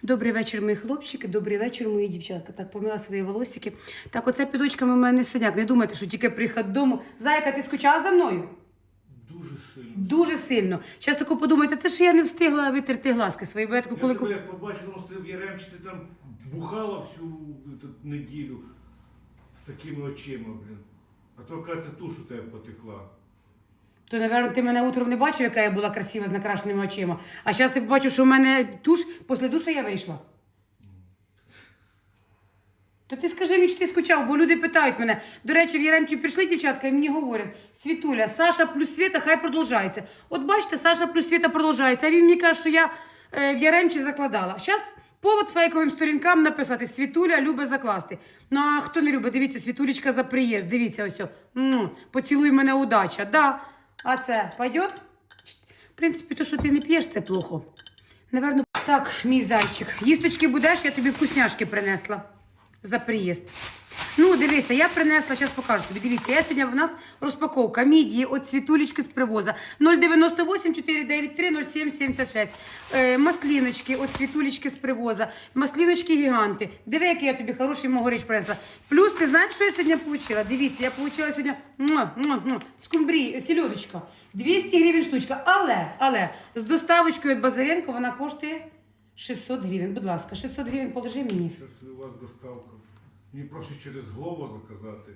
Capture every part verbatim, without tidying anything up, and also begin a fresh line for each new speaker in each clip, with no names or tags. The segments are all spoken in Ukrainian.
Добрий вечір, мої хлопчики, добрий вечір, мої дівчатка. Так, помила свої волосики. Так, оце під очками в мене синяк. Не думайте, що тільки приїхати додому. Зайка, ти скучала за мною?
Дуже сильно.
Дуже сильно. Зараз тако подумайте, це ж я не встигла витерти глазки свої. Бо я тако,
Я
коли...
тебе як побачив, тому що в Яремчі ти там бухала всю ту неділю з такими очима, блін. А то, оказується, туш у тебе потекла.
То, напевно, ти мене утром не бачив, яка я була красива з накрашеними очима. А зараз ти побачив, що в мене туш, після душа я вийшла. То ти скажи мені, що ти скучав, бо люди питають мене. До речі, в Яремчі прийшли дівчатка і мені говорять: Світуля, Саша плюс Світа, хай продовжається. От бачите, Саша плюс Світа продовжається. А він мені каже, що я е, в Яремчі закладала. Зараз повод фейковим сторінкам написати: Світуля любить закласти. Ну а хто не любить, дивіться, Світулечка за приїзд, дивіться ось. М-м, поцілуй мене, удача. Да. А це пойдет? В принципі, то, що ти не п'єш, це плохо. Наверно, так, мій зайчик. Їсточки будеш, я тобі вкусняшки принесла за приїзд. Ну, дивися, я принесла, зараз покажу тобі. Дивіться, я сьогодні в нас розпаковка мідії від Світулечки з привоза. нуль дев'яносто вісім чотири дев'ять три нуль сім сімдесят шість. Е, масліночки від Світулечки з привоза. Масліночки гіганти. Диви, який я тобі хороший могорич принесла. Плюс, ти знаєш, що я сьогодні отримала? Дивіться, я отримала сьогодні муа, муа, муа, скумбрії, сільодочка. двісті гривень штучка. Але, але, з доставочкою від Базаренко вона коштує шістсот гривень. Будь ласка, шістсот гривень положи мені.
Щось у вас доставка. Мені прошу через Глово заказати.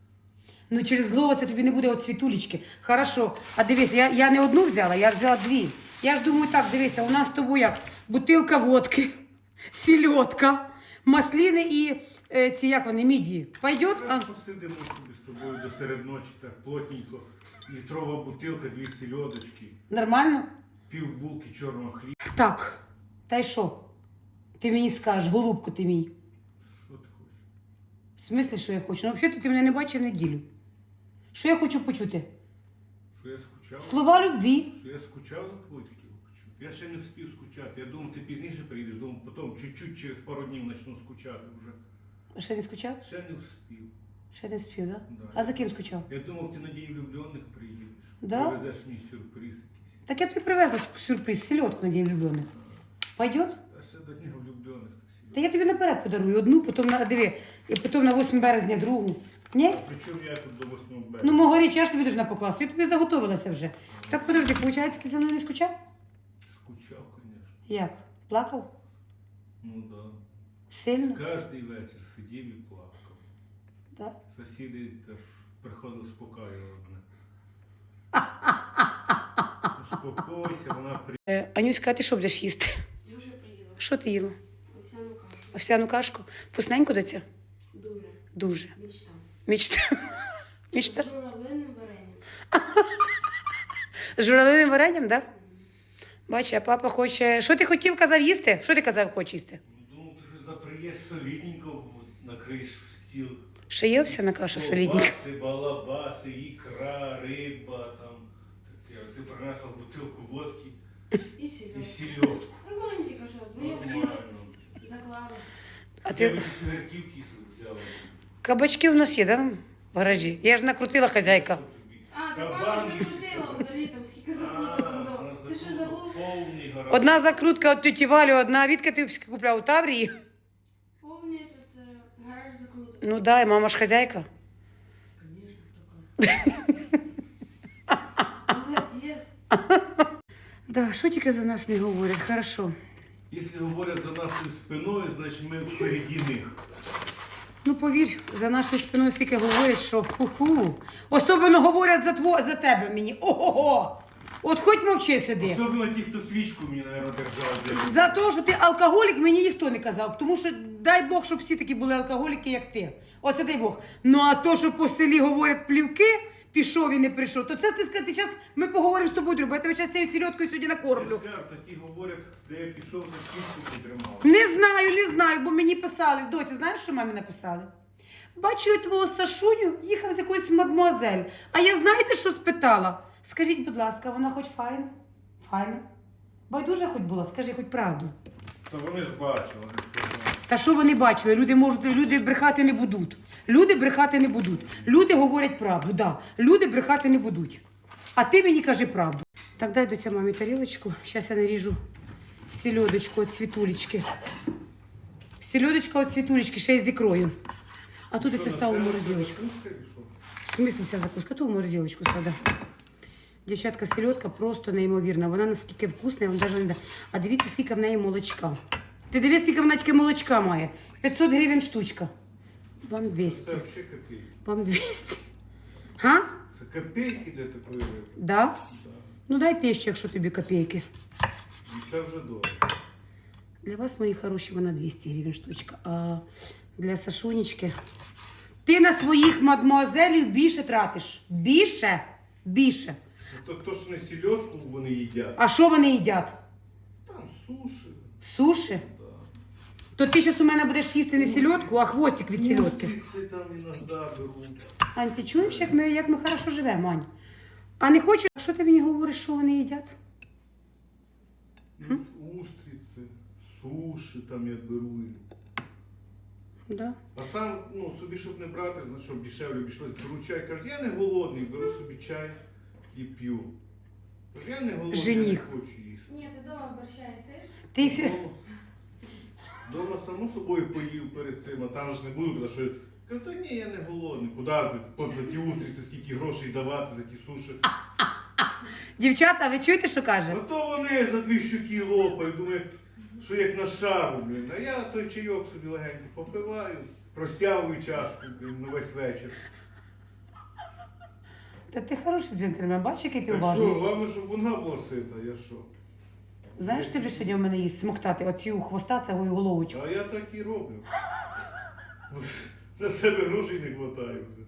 Ну, через Глово це тобі не буде от Світулечки. Хорошо. А дивись, я, я не одну взяла, я взяла дві. Я ж думаю, так, дивися, у нас з тобою як? Бутилка водки, сільодка, масліни і е, ці, як вони, мідії. Пойдет? А?
Посидимо собі з тобою до серед ночі, так плотненько. Літрова бутилка, дві сільодочки,
Нормально?
пів булки чорного хліба.
Так. Та й що? Ти мені скажеш, голубку ти мій.
Що ти хочеш?
В смислі, що я хочу? Ну, взагалі, ти мене не бачив неділю. Що я хочу почути?
Що я скучав?
Слова любві.
Що я скучав за тобою хотів почути? Я ще не встиг скучати. Я думав, ти пізніше приїдеш, думав, потім чуть-чуть через пару днів почну скучати вже.
А ще не скучав?
Ще не встиг.
Ще не спів, так?
Да.
А за ким скучав?
Я думав, ти на День влюблених приїдеш.
Да?
Привезеш мені сюрприз якийсь.
Так я тобі привезла сюрприз, селедку на День влюблених. Пойдет?
Та ще до Дня влюблених.
Та я тобі наперед подарую одну, потім на диви, і потім на восьмого березня другу. Ні?
Причому я тут до восьмого березня.
Ну, мого річ, я ж тобі должна покласти. Я тобі заготовилася вже. Так, подожди, виходить, ти за мною не скучав?
Скучав, звісно.
Як? Плакав?
Ну да.
Сильно?
Кожний вечір сидів і плакав.
Так.
Сусіди теж приходили спокаювали мене. Успокойся, вона при...
Е, Анюська, а ти що будеш їсти?
Я вже приїла.
Що ти їла?
Овсяну кашу.
Овсяну кашку? Вкусненько доця?
Дуже.
Дуже.
Мечта.
Мічта. Мічта.
З журавлиним варенням.
З журавлиним варенням, так? Да? Бачиш, а папа хоче. Що ти хотів, казав їсти? Що ти казав, хочеш їсти?
Думав, ти що за приїзд солідненько накриєш в стіл.
Ще є овсяна каша солідненька?
Колбаси, балабаси, ікра, риба, там таке. Ти принесла бутилку водки
І
і
сільотку.
сільотку.
Романтика, що? Ви як всі
Нормально.
заклали.
А
Я
ти
би ці сверківки взяла.
кабачки у нас є, да? В гаражі. Я ж накрутила хазяйка.
Що тобі?
А, ти
Кабан
мама ж
і-
накрутила, вдалі там скільки закруток
А,
до.
вона
Ти що
закрутила
забув?
повний гараж.
Одна закрутка від тіті Валі, одна відки ти купляв у Таврії.
Повний тут е, гараж закруток.
Ну да, і мама ж хазяйка.
Звісно, така. Молодець.
Да, що тільки за нас не говорять, хорошо.
Якщо говорять за нашою спиною, значить ми впереді них.
Ну повір, за нашою спиною стільки говорять, що ху-ху. Особливо говорять за тво, за тебе мені. Ого-го! От хоч мовчи сиди.
Особливо ті, хто свічку мені, мабуть, держав.
За те, що ти алкоголік, мені ніхто не казав. Тому що дай Бог, щоб всі такі були алкоголіки, як ти. Оце дай Бог. Ну а то, що по селі говорять плівки, пішов і не прийшов, то це ти скажи, час ми поговоримо з тобою, друга. Я тебе зараз цією сільоткою сьогодні накормлю.
Я скажу, такі говорять, де я пішов, на свічку підтримав.
Не знаю, не знаю, бо мені писали. Доці, знаєш, що мамі написали? Бачу, я твого Сашуню їхав з якоюсь мадмуазель. А я знаєте, що спитала? Скажіть, будь ласка, вона хоч файна? Файна? Байдуже хоч була, скажи хоч правду.
Та вони ж бачили. вони це знають.
Та що вони бачили? Люди можуть, люди брехати не будуть. Люди брехати не будуть. Люди говорять правду, да. Люди брехати не будуть. А ти мені кажи правду. Так дай до ця мамі тарілочку. Зараз я наріжу селедочку от світулечки. Селедочка от світулечки, ще й з ікрою. А тут я це став у морозилочку. В смысле вся закуска? Ту в морозилочку складав. Дівчатка, селедка просто неймовірна. Вона наскільки вкусна, я вам навіть не дам. А дивіться, скільки в неї молочка. Ти дивись, скільки вона тільки молочка має. п'ятсот гривень штучка. Вам двісті.
Це взагалі копійки.
Вам двісті. Га?
Це копійки для такої риби.
Да?
Да.
Ну дайте ще, якщо тобі копійки.
І це вже дорого.
Для вас, мої хороші, вона двісті гривень штучка. А для Сашунечки... Ти на своїх мадмуазелів більше тратиш. Більше? Більше.
Ну, то хто ж не сільодку вони їдять?
А що вони їдять?
Там суші.
Суші?
Да.
То ти зараз у мене будеш їсти не сільодку, а хвостик від сільодки.
Устриці там іноді беруть.
Ань, ти чуєш, як ми, як ми хорошо живемо, Ань? А не хочеш, що ти мені говориш, що вони їдять?
Ну, устриці, суші там я беру.
Да.
А сам, ну, собі, щоб не брати, значить, щоб дешевле обійшлось, беру чай. Кажу, я не голодний, беру собі чай і п'ю. Кажу, я не голодний,
Жених.
я не хочу їсти.
Ні, ти дома борща їсиш?
Ти... сі-
Дома, дома само собою поїв перед цим, а там ж не буду казати, що... Кажу, та ні, я не голодний. Куди ти от за ті устриці, скільки грошей давати, за ті суші.
Дівчата, ви чуєте, що каже?
А то вони за дві щуки лопають, думають, що як на шару, блін. А я той чайок собі легенько попиваю, розтягую чашку, блін, на весь вечір.
Та ти хороший джентльмен, бачиш, який ти
Так що,
уважний.
головне, щоб вона була сита, я що?
Знаєш, ти будеш сьогодні в мене їсти, смоктати оцю хвоста, цю головочку.
А я так і роблю. Бо ж на себе грошей не вистачає вже.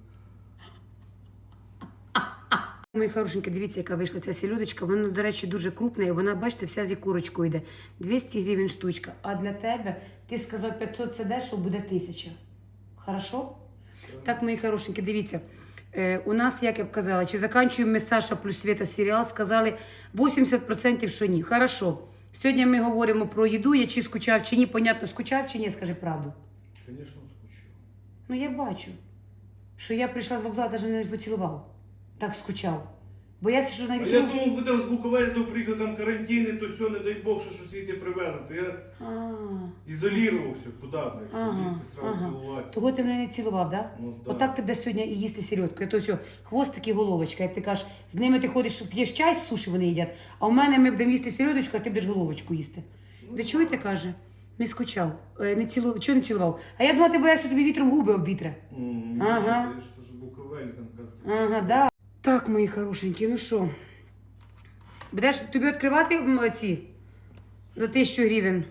Мої хорошенькі, дивіться, яка вийшла ця сільодочка. Вона, до речі, дуже крупна, і вона, бачите, вся зі курочкою йде. двісті гривень штучка. А для тебе, ти сказав п'ятсот, це дешево, буде тисяча. Хорошо? Так, мої хорошенькі, дивіться. Е, у нас, як я б казала, чи заканчуємо ми Саша плюс Света серіал, сказали вісімдесят відсотків, що ні. Хорошо. Сьогодні ми говоримо про їду, я чи скучав, чи ні. Понятно, скучав чи ні, скажи правду.
Звісно, скучу.
Ну, я бачу, що я прийшла з вокзалу, навіть не поцілував. Так скучав. Боявся, що на
А я
вітру...
думав, ви там з Буковелі до приїхали, там карантини, то все, не дай Бог, що щось світи привезете. Я
А,
ізолірувався, куди, блядь, щоб
Ага,
їсти, сразу
ага.
цілуватися.
Того ти мене не цілував, да?
Ну, да.
Отак ти будеш сьогодні і їсти сільодку. Я то все, хвостик і головочка. Як ти кажеш, з ними ти ходиш, п'єш чай з суші, вони їдять, а в мене ми будемо їсти сільодочку, а ти будеш головочку їсти.
Ну,
Ви чуєте, каже? Не скучав, е, не цілував. Чого не цілував? А я думала, ти боявся, що тобі вітром губи обвітре.
М,
Ага.
Я ж то з Буковелі там кажуть.
Ага, да. Так, мої хорошенькі, ну що? Будеш тобі відкривати м, ці за тисячу гривень?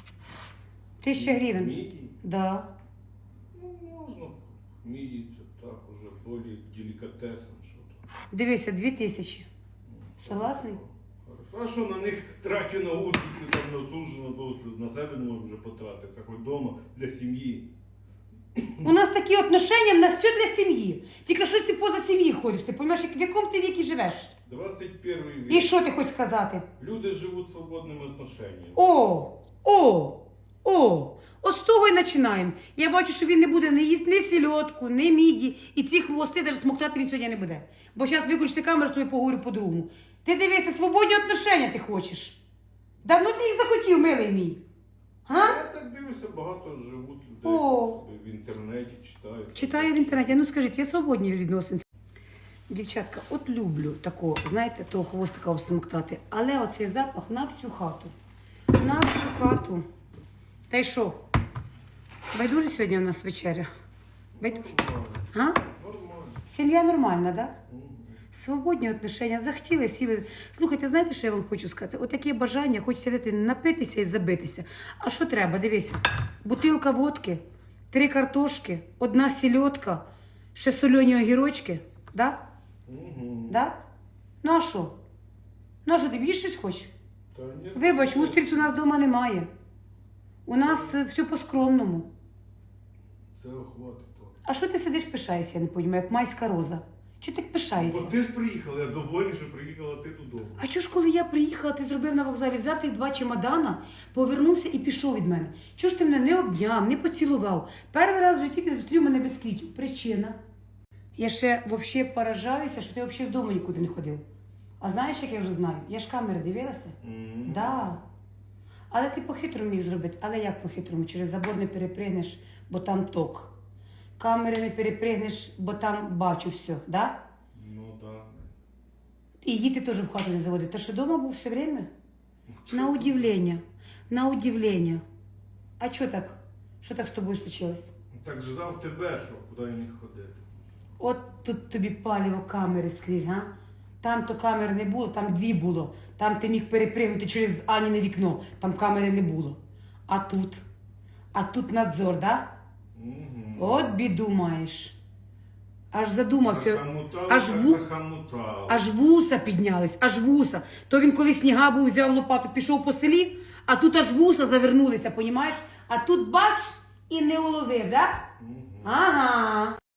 Тисяча гривень?
Мідії?
Да.
Ну, можна. Мідії це так уже більш делікатесом, що то.
Дивися, дві тисячі. Согласний?
Хорошо. А що на них трачу на устриці, там на сужу, на то, на себе не можу вже потратити. Це хоч вдома для сім'ї.
У нас такі отношення, в нас все для сім'ї. Тільки щось ти поза сім'ї ходиш, ти розумієш, в якому ти вікі живеш?
двадцять перший вік.
І що ти хочеш сказати?
Люди живуть свободними отношеннями.
О, о, о, от з того і починаємо. Я бачу, що він не буде не їсти ні сільодку, ні міді, і ці хвости навіть смоктати він сьогодні не буде. Бо зараз виключити камеру, з тобою поговорю по-другому. Ти дивися, свободні отношення ти хочеш. Давно ти їх захотів, милий мій. А?
Я так дивлюся, багато живуть людей
О.
собі в інтернеті, читають.
Читаю в інтернеті. Ну скажіть, я свободні відносин. Дівчатка, от люблю такого, знаєте, того хвостика обсмоктати. Але оцей запах на всю хату. На всю хату. Та й що? Байдуже сьогодні у нас вечеря? Байдуже?
Нормально.
А?
Нормально.
Сім'я нормальна, да?
Мгм.
Свободні отношення, захотіли, сіли. Слухайте, знаєте, що я вам хочу сказати? Отаке бажання, хочеться вийти, напитися і забитися. А що треба? Дивися. Бутилка водки, три картошки, одна сільодка, ще сольоні огірочки. Да?
Мгм.
Да? Ну а що? Ну а що, ти більше щось хочеш?
Та ні.
Вибач, устриць у нас вдома немає. У нас е, все по-скромному.
Це хватить то.
А що ти сидиш, пишаєшся, я не розумію, як майська роза? Чого ти так пишаєшся?
Бо ти ж приїхала, я довольний, що приїхала ти додому.
А чого ж, коли я приїхала, ти зробив на вокзалі, взяв тих два чемодана, повернувся і пішов від мене. Чого ж ти мене не обняв, не поцілував? Перший раз в житті ти зустрів мене без квітів. Причина. Я ще взагалі поражаюся, що ти взагалі з дому нікуди не ходив. А знаєш, як я вже знаю? Я ж камери дивилася?
Мгм.
Да. Але ти по-хитрому міг зробити. Але як по-хитрому? Через забор не перепригнеш, бо там ток. Камери не перепригнеш, бо там бачу все, да?
Ну так.
І діти теж в хату не заводив. Ти що вдома був все время? На удивлення. На удивлення. А що так? Що так з тобою случилось?
Так ждав тебе, що куди я міг ходити.
От тут тобі паліво камери скрізь, га? Там то камер не було, там дві було. Там ти міг перепригнути через Аніне вікно, там камери не було. А тут? А тут надзор, да?
Угу.
От біду маєш. Аж задумався.
Захамутав,
Аж
так
ву-
захамутав.
Аж вуса піднялись, аж вуса. То він коли сніга був, взяв лопату, пішов по селі, а тут аж вуса завернулися, понімаєш? А тут бач і не уловив, да?
Мгм.
Ага.